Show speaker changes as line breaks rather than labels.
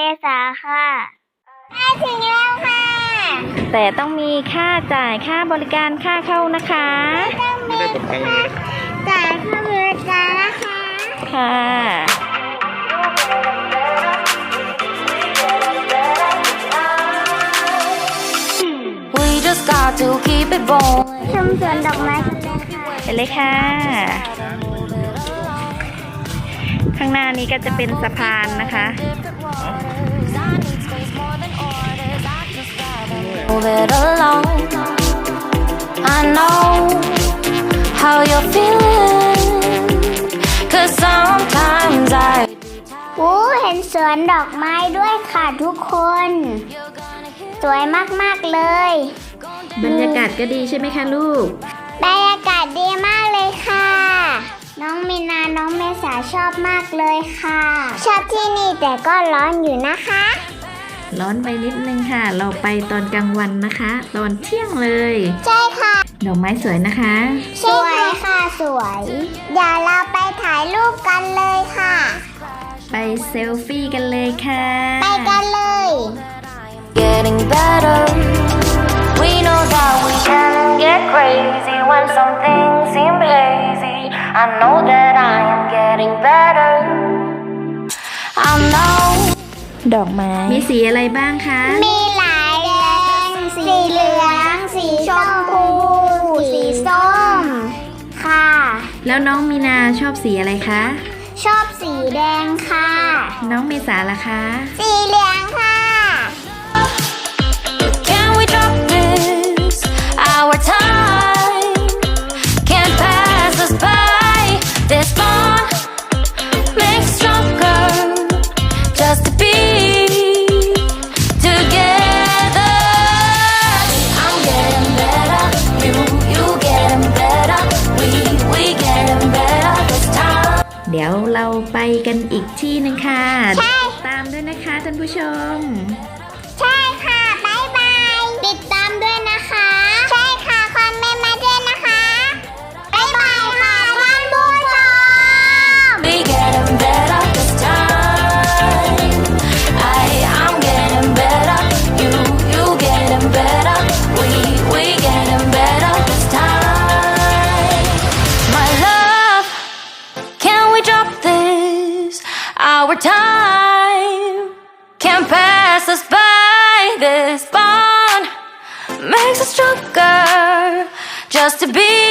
ษาค่ะได้ถึงแล้วค่ะ
แต่ต้องมีค่าจ่ายค่าบริการค่าเข้านะคะ
ไม่ได้ตกแต่งเลยจ่ายค่าบริการนะคะ
ค่ะ
just got to keep it going ชมสวนดอกไม้
ไปเลยค่ะข้างหน้านี้ก็จะเป็นสะพานนะคะ
Move it along I know how you're feeling Cause sometimes I เห็นสวนดอกไม้ด้วยค่ะทุกคนสวยมากๆเลย
บรรยากาศก็ดีใช่ไหมคะลูก
บรรยากาศดีมากเลยค่ะน้องมีนาน้องเมษาชอบมากเลยค่ะชอบที่นี่แต่ก็ร้อนอยู่นะคะ
ร้อนไปนิดนึงค่ะเราไปตอนกลางวันนะคะตอนเที่ยงเลย
ใช่ค่ะ
ดอกไม้สวยนะคะ
สวยค่ะสวยเดี๋ยวเราไปถ่ายรูปกันเลยค่ะ
ไปเซลฟี่กันเลยค่ะ
ไปกันเลย Getting better We know that we can get crazy when some things seem hazy I know that I am getting better I know
ดอกไม้มีสีอะไรบ้างคะ
มีหลายแดงสีเหลืองสีชมพูสีส้มค่ะ
แล้วน้องมีนาชอบสีอะไรคะ
ชอบสีแดงค่ะ
น้องเมษาล่ะคะ
สีเหลืองค่ะOur time can't pass us by. This bond makes stronger just to be together. I'm getting better, you getting better, we getting better this time.
เดี๋ยวเราไปกันอีกที่นึงค่ะตามด้วยนะคะท่านผู้ชม
ใช่ค่ะบ๊ายบายติดตามด้วยนะคะใช่ค่ะคอมเมนต์มาด้วยนะคะบ๊ายบายค่ะท่านผู้ชม We getting better this time I'm getting better you getting better we getting better this time My love can we drop this our time can't pass us by this bond makes us stronger just to be